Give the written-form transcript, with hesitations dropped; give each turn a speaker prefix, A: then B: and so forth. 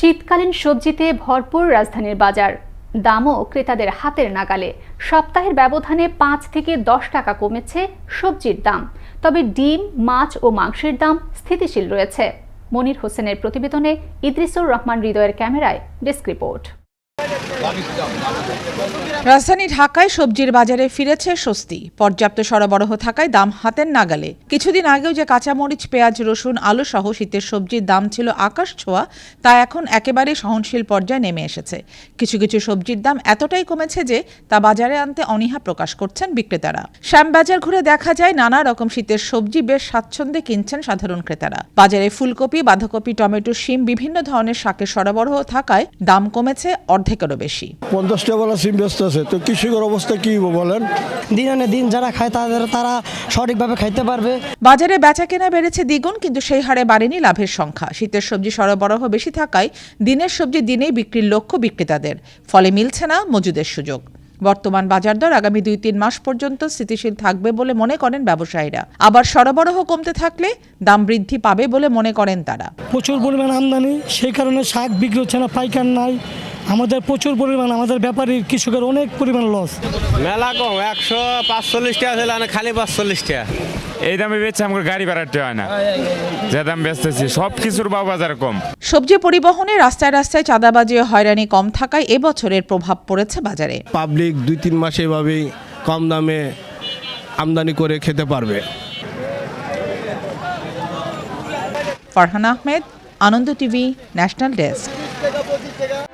A: শীতকালীন সবজিতে ভরপুর রাজধানীর বাজার, দামও ক্রেতাদের হাতের নাগালে। সপ্তাহের ব্যবধানে 5 থেকে 10 টাকা কমেছে সবজির দাম, তবে ডিম, মাছ ও মাংসের দাম স্থিতিশীল রয়েছে। মনির হোসেনের প্রতিবেদনে ইদ্রিসুর রহমান হৃদয়ের ক্যামেরায় ডেস্ক রিপোর্ট।
B: রাজধানী ঢাকায় সবজির বাজারে ফিরেছে স্বস্তি। পর্যাপ্ত সরবরাহ থাকায় দাম হাতের নাগালে। কিছুদিন আগেও যে কাঁচামরিচ, পেঁয়াজ, রসুন, আলু সহ শীতের সবজির দাম ছিল আকাশ ছোঁয়া, তা এখন একেবারে সহনশীল পর্যায়ে নেমে এসেছে। কিছু কিছু সবজির দাম এতটাই কমেছে যে তা বাজারে আনতে অনীহা প্রকাশ করছেন বিক্রেতারা। শ্যামবাজার ঘুরে দেখা যায় নানা রকম শীতের সবজি বেশ স্বাচ্ছন্দ্যে কিনছেন সাধারণ ক্রেতারা। বাজারে ফুলকপি, বাঁধাকপি, টমেটো, শিম, বিভিন্ন ধরনের শাকের সরবরাহ থাকায় দাম কমেছে অর্ধেকেরও বেশি।
C: 50 টাকা সিম ব্যস্ত আছে, তো কৃষকের অবস্থা কি বলেন?
D: দিন আনে দিন যারা খায় তারা সঠিকভাবে খাইতে পারবে।
B: বাজারে বেচা কেনা বেড়েছে দ্বিগুণ, কিন্তু সেই হারে বাড়েনি লাভের সংখ্যা। শীতের সবজি সরবরাহ বেশি থাকায় দিনের সবজি দিনেই বিক্রির লক্ষ্য বিক্রেতাদের, ফলে মিলছে না মজুদের সুযোগ। বর্তমান বাজার দর আগামী 2-3 মাস পর্যন্ত স্থিতিশীল থাকবে বলে মনে করেন ব্যবসায়ীরা। আবার সরবরাহ কমতে থাকলে দাম বৃদ্ধি পাবে বলে মনে করেন তারা।
D: প্রচুর পরিমাণ আমদানি, সেই কারণে শাক বিক্রি হচ্ছে না, পাইকার নাই। আমাদের প্রচুর পরিমাণ, আমাদের ব্যাপারীর কৃষকের অনেক পরিমাণ লস।
E: মেলা কম, 145 টাকা ছিল, খালি 45 টাকা।
F: এই দামে বেচছে, আমার গাড়ি ভাড়াতে হয় না। যে দাম বেচতেছি সব কিছুর বাজার কম।
B: সবজি পরিবহনে রাস্তায় রাস্তায় চাঁদাবাজি ও হয়রানি কম থাকায় এবছরের প্রভাব পড়েছে বাজারে।
C: পাবলিক 2-3 মাস এভাবেই কম দামে আমদানি করে খেতে পারবে।
B: Farhan Ahmed, Ananda TV, national desk.